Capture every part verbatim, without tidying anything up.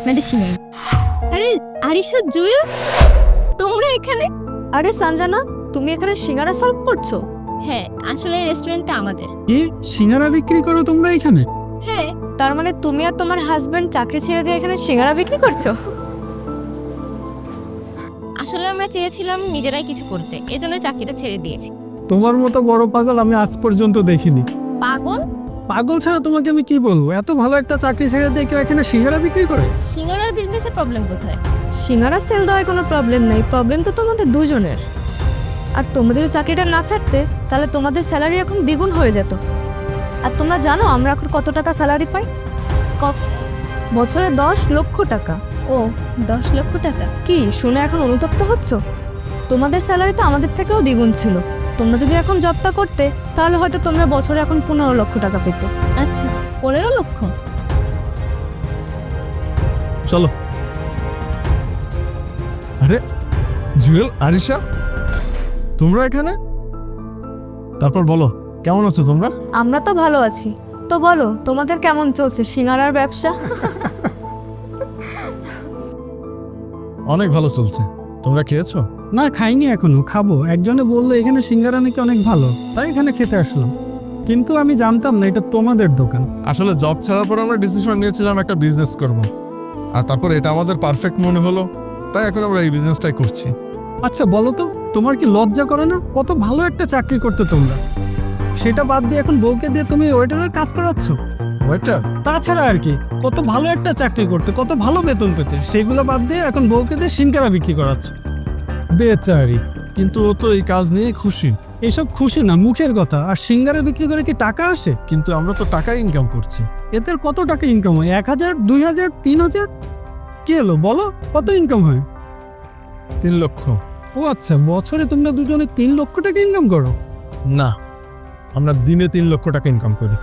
আপনাদের সিঙ্গারা। আরে আরিশা, জুয়েল, তোমরা এখানে? আরে সঞ্জনা, তুমি এখানে সিঙ্গারা সার্ভ করছো? হ্যাঁ, আসলে রেস্টুরেন্টটা আমাদের। কি সিঙ্গারা বিক্রি করো তোমরা এখানে? হ্যাঁ। তার মানে তুমি আর তোমার হাজবেন্ড চাকরি ছেড়ে দিয়ে এখানে সিঙ্গারা বিক্রি করছো? আসলে আমরা চেয়েছিলাম নিজেরাই কিছু করতে, এজন্য চাকরিটা ছেড়ে দিয়েছি। তোমার মতো বড় পাগল আমি আজ পর্যন্ত দেখিনি। পাগল? পাগল ছাড়া তোমাকে আমি কি বলবো? এত ভালো একটা চাকরি ছেড়ে দিয়ে কেউ এখানে সিঙ্গারা বিক্রি করে? সিঙ্গারার বিজনেসের প্রবলেম কোথায়? সিঙ্গারা সেল দেওয়ায় কোনো প্রবলেম নেই, প্রবলেম তো তোমাদের দুজনের। আর তোমরা যদি চাকরিটা না ছাড়তে তাহলে তোমাদের স্যালারি এখন দ্বিগুণ হয়ে যেত। আর তোমরা জানো আমরা এখন কত টাকা স্যালারি পাই? কত? বছরে দশ লক্ষ টাকা। ও, দশ লক্ষ টাকা? কি শুনে এখন অনুতপ্ত হচ্ছ? তোমাদের স্যালারি তো আমাদের থেকেও দ্বিগুণ ছিল। তোমরা যদি এখন জবটা করতে তাহলে হয়তো তোমরা বছরে এখন পনেরো লক্ষ টাকা পেতে। আচ্ছা, পনেরো লক্ষ? চলো। আরে জুয়েল, আরিশা, তোমরা এখানে? তারপর বলো, কেমন আছো তোমরা? আমরা তো ভালো আছি। তো বলো তোমাদের কেমন চলছে সিঙ্গারার ব্যবসা? অনেক ভালো চলছে। তোমরা খেয়েছো? না, খাইনি এখনো, খাবো। একজনে বললো এখানে সিঙ্গারা নাকি অনেক ভালো, তাই এখানে খেতে আসলাম। কিন্তু আমি জানতাম না এটা তোমাদের দোকান। আসলে জব ছাড়ার পর আমরা ডিসিশন নিয়েছিলাম একটা বিজনেস করব, আর তারপর এটা আমাদের পারফেক্ট মনে হলো, তাই এখন আমরা এই বিজনেসটাই করছি। আচ্ছা বলো তো, তোমার কি লজ্জা করে না? কত ভালো একটা চাকরি করতে তোমরা, সেটা বাদ দিয়ে এখন বউকে দিয়ে তুমি ওয়েটারের কাজ করাচ্ছ। ওয়েটার? তাছাড়া আর কি, কত ভালো একটা চাকরি করতে, কত ভালো বেতন পেতে, সেগুলো বাদ দিয়ে এখন বউকে দিয়ে সিঙ্গারা বিক্রি করাচ্ছ। বেচারি। কিন্তু ও তো এই কাজ নিয়ে খুশি। এসব খুশি না, মুখের কথা। আর সিঙ্গারা বিক্রি করে কি টাকা আসে? কিন্তু আমরা তো টাকা ইনকাম করছি। এতে কত টাকা ইনকাম হয়? এক হাজার, দুই হাজার, তিন হাজার? কি এলো বলো, কত ইনকাম হয়? তিন লক্ষ। ও আচ্ছা, বছরে তোমরা দুজনে তিন লক্ষ টাকা ইনকাম করো? না, আমরা দিনে তিন লক্ষ টাকা ইনকাম করি।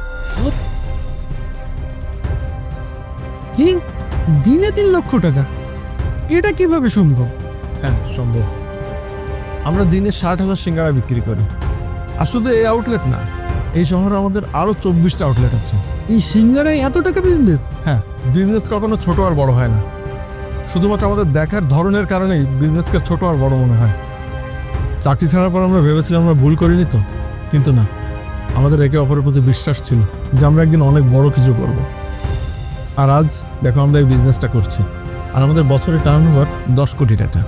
কি, দিনে তিন লক্ষ টাকা? এটা কিভাবে সম্ভব? হ্যাঁ, সম্ভব। আমরা দিনে ষাট হাজার সিঙ্গারা বিক্রি করি। আর শুধু এই আউটলেট না, এই শহরে আমাদের আরও চব্বিশটা আউটলেট আছে। এই সিঙ্গারায় এত টাকা বিজনেস? হ্যাঁ, বিজনেস কখনো ছোট আর বড় হয় না। শুধুমাত্র আমাদের দেখার ধরনের কারণেই বিজনেসকে ছোট আর বড় মনে হয়। চাকরি ছাড়ার পর আমরা ভেবেছিলাম আমরা ভুল করিনি তো, কিন্তু না, আমাদের একে অপরের প্রতি বিশ্বাস ছিল যে আমরা একদিন অনেক বড় কিছু করব। আর আজ দেখো আমরা এই বিজনেসটা করছি, আর আমাদের বছরে টার্ন ওভার দশ কোটি টাকা।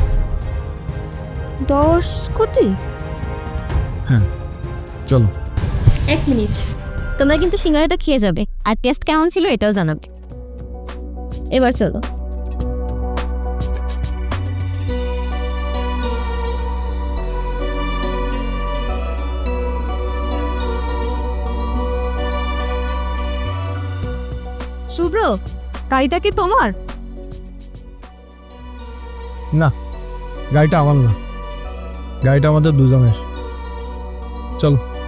দশ কোটি? হ্যাঁ, চলো। এক মিনিট, তোমরা কিন্তু সিঙ্গারাটা খেয়ে যাবে, আর টেস্ট কেমন ছিল এটাও জানাবে। এবার চলো। শুভ্র, গাড়িটা কি তোমার? না, গাড়িটা আমার না, গাড়িটা আমাদের দুজনের। চলো।